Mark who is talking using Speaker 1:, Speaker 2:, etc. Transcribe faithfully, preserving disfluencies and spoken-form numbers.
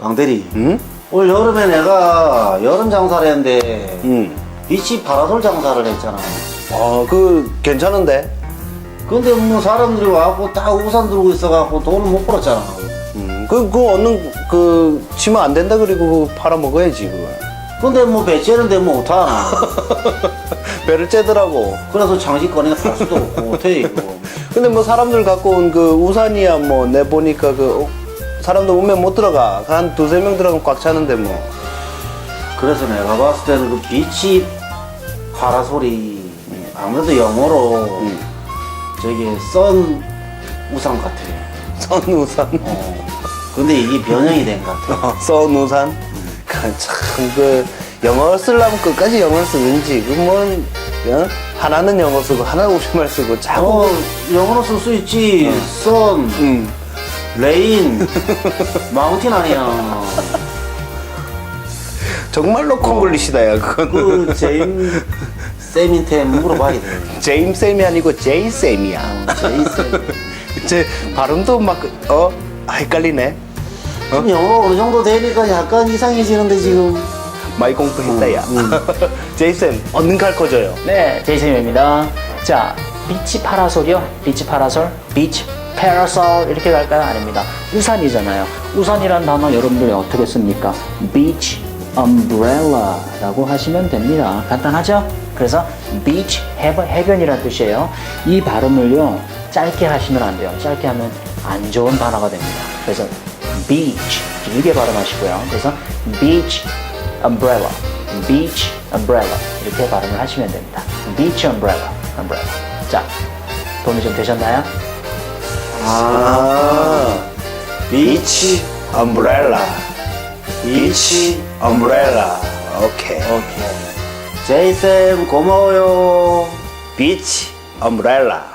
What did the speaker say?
Speaker 1: 강대리,
Speaker 2: 응?
Speaker 1: 올 여름에 내가 여름 장사를 했는데
Speaker 2: 응.
Speaker 1: 비치 파라솔 장사를 했잖아.
Speaker 2: 아, 그 괜찮은데?
Speaker 1: 근데 뭐 사람들이 와갖고 다 우산 들고 있어갖고 돈을 못 벌었잖아.
Speaker 2: 음, 그, 그 얻는, 그, 치면 안 된다 그리고 그거 팔아먹어야지, 그거.
Speaker 1: 근데 뭐 배째는데 뭐 어떡하나.
Speaker 2: 배를 째더라고.
Speaker 1: 그래서 장식거리가 갈 수도 없고 어떻게 이거.
Speaker 2: 근데 뭐 사람들 갖고 온 그 우산이야 뭐 내보니까 그, 어, 사람들 오면 못 들어가. 한 두세 명 들어가면 꽉 차는데 뭐.
Speaker 1: 그래서 내가 봤을 때는 그 비치 파라솔이 아무래도 영어로
Speaker 2: 음.
Speaker 1: 저기 썬 우산 같아.
Speaker 2: 선 우산.
Speaker 1: 어. 근데 이게 변형이 된 것 같아.
Speaker 2: 어, 선 우산. 그 참, 그, 영어 쓰려면 끝까지 영어를 쓰는지. 그 뭐, 어? 하나는 영어 쓰고, 하나는 우리말 쓰고, 자꾸.
Speaker 1: 어, 영어로 쓸 수 있지. 썬,
Speaker 2: 음.
Speaker 1: 레인, 마운틴 아니야.
Speaker 2: 정말로 콩글리시다, 야, 그거는.
Speaker 1: 그 제임 쌤한테 물어봐야 돼.
Speaker 2: 제임 쌤이 아니고 제이 쌤이야.
Speaker 1: 어, 제이 쌤.
Speaker 2: 제 발음도 막, 어? 헷갈리네.
Speaker 1: 지금 영어 어느 정도 되니까 약간 이상해지는데 지금.
Speaker 2: 많이 공부했다, 야. 제이 쌤, 얻는 갈 거져요.
Speaker 3: 네, 제이쌤입니다. 자, 비치 파라솔이요. 비치 파라솔, 비치 파라솔 이렇게 갈까요? 아닙니다. 우산이잖아요. 우산이란 단어 여러분들이 어떻게 씁니까? beach umbrella라고 하시면 됩니다. 간단하죠? 그래서 beach 해변, 해변이란 뜻이에요. 이 발음을요 짧게 하시면 안 돼요. 짧게 하면 안 좋은 단어가 됩니다. 그래서 beach 길게 발음하시고요. 그래서 beach umbrella, beach umbrella 이렇게 발음을 하시면 됩니다. beach umbrella, umbrella. 자, 도움이 좀 되셨나요?
Speaker 1: 아,
Speaker 2: 비치 엄브렐라. 비치 엄브렐라. 오케이.
Speaker 1: 오케이. 제이 쌤 고마워요.
Speaker 2: 비치 엄브렐라.